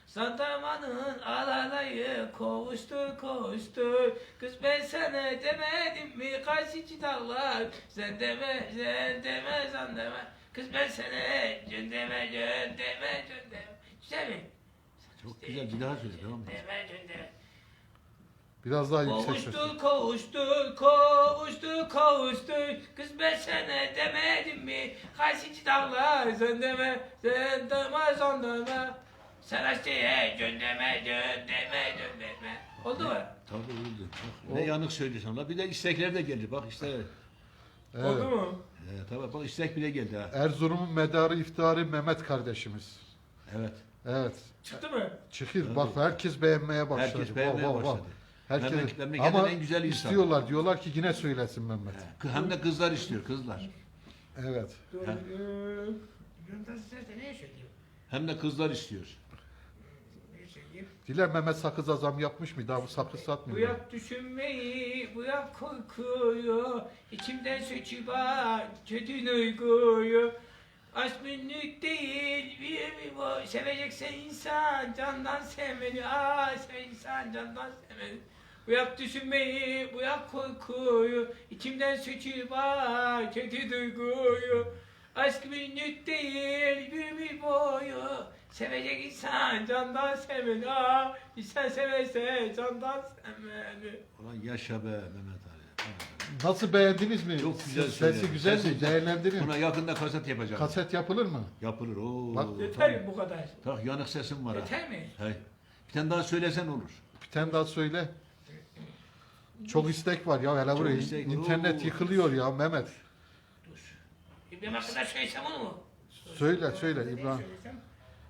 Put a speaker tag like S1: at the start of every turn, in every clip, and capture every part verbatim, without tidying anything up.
S1: Sandamanın alalayı kovuştur kovuştur. Kız ben sana demedim mi karşıcı dağlar. Sen deme sen deme sen deme. Kız ben sana cön deme cön deme cön deme. Güzel mi?
S2: Çok güzel, bir daha söyle, tamam mı?
S1: Deme cön deme.
S3: Biraz daha yüksek sesle.
S1: Kovuştur kovuştur kovuştur kovuştur. Kız ben sana demedim mi karşıcı dağlar. Sen deme sen deme sen deme. Sen aşçıya cön deme cön deme cön deme. Oldu mu?
S2: Tabii oldu. Bak, ne yanık söylüyorsun la. Bir de istekler de geldi. Bak işte.
S3: Evet.
S1: Oldu mu?
S2: E, tabii bak istek bile geldi ha.
S3: Erzurum'un medarı iftiharı Mehmet kardeşimiz.
S2: Evet.
S3: Evet.
S1: Çıktı mı?
S3: Çıkır.
S2: Tabii.
S3: Bak herkes beğenmeye başladı.
S2: Herkes beğenmeye
S3: Vah, vah, vah.
S2: başladı.
S3: Herkes.
S2: Memleket- memleketin
S3: Ama
S2: en güzel insanı.
S3: istiyorlar. Diyorlar ki yine söylesin Mehmet.
S2: He. Hem de kızlar istiyor, kızlar.
S3: Evet.
S1: Yunus Ses'te ne söylüyor?
S2: Hem de kızlar istiyor.
S1: Ne söyleyeyim?
S3: Diler Mehmet sakız azam yapmış mı? Daha bu sakız
S1: Bu
S3: satmıyor.
S1: yak düşünmeyi, bu yak korkuyu, içimden söçüba kötü duyguyu. Aşk günlük değil, bir mi bu? Sevecekse insan candan sevmeli, aa sev insan candan sevmeli. Bu yak düşünmeyi, bu yak korkuyu, içimden söçüba kötü duyguyu. Aşk günlük değil, bir mi boyu? Sevecek insan candan sevmeli, aa insan severse candan sevmeli.
S2: Ulan yaşa be Mehmet Ali.
S3: Nasıl beğendiniz mi?
S2: Çok güzel
S3: Sesi
S2: söyledin.
S3: güzel mi?
S2: Sesi-
S3: Değerlendirin.
S2: Buna yakında kaset yapacağım.
S3: Kaset yapılır mı?
S2: Yapılır. Oo.
S3: Bak,
S1: Yeter mi bu kadar?
S2: Tak yanık sesim var ha.
S1: Yeter mi?
S2: Hey. Bir tane daha söylesen olur.
S3: Bir tane daha söyle. Çok istek var ya hele buraya.
S2: istek var.
S3: İnternet
S2: Oo.
S3: yıkılıyor ya Mehmet.
S1: Dur. İbrahim hakkında söylesem onu mu?
S3: Söyle söyle
S1: Ne
S3: İbrahim.
S1: söylesem?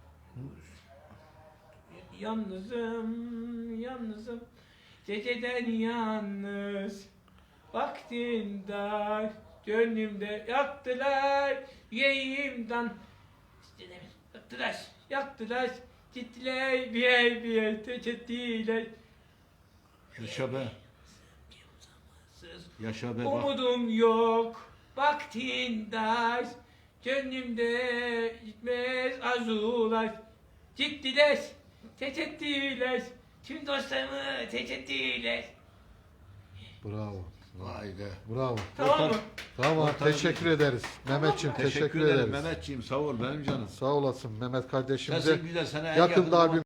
S1: Yalnızım, yalnızım, geceden yalnız, vaktin dar, gönlümde yaktılar, yüreğimden, işte ne- yaktılar, yaktılar, gittiler bir yer bir yer, teçettiler.
S2: Yaşa be. Yaşa be bak.
S1: Umudum yok, vaktin dar, gönlümde gitmez arzular. Gittiler, teçettiler, tüm dostlarımı teçettiler.
S3: Bravo.
S2: Vay be.
S3: Bravo.
S1: Tamam mı?
S3: Tamam
S2: Ortalığı-
S3: teşekkür ederiz. Mehmetciğim teşekkür,
S2: Teşekkür ederim
S3: ederiz.
S2: Mehmetciğim. Sağ ol benim canım.
S3: Sağ olasın Mehmet kardeşimize.
S2: Sesin güzel. Sana en
S3: Yakında
S2: yakın
S3: abi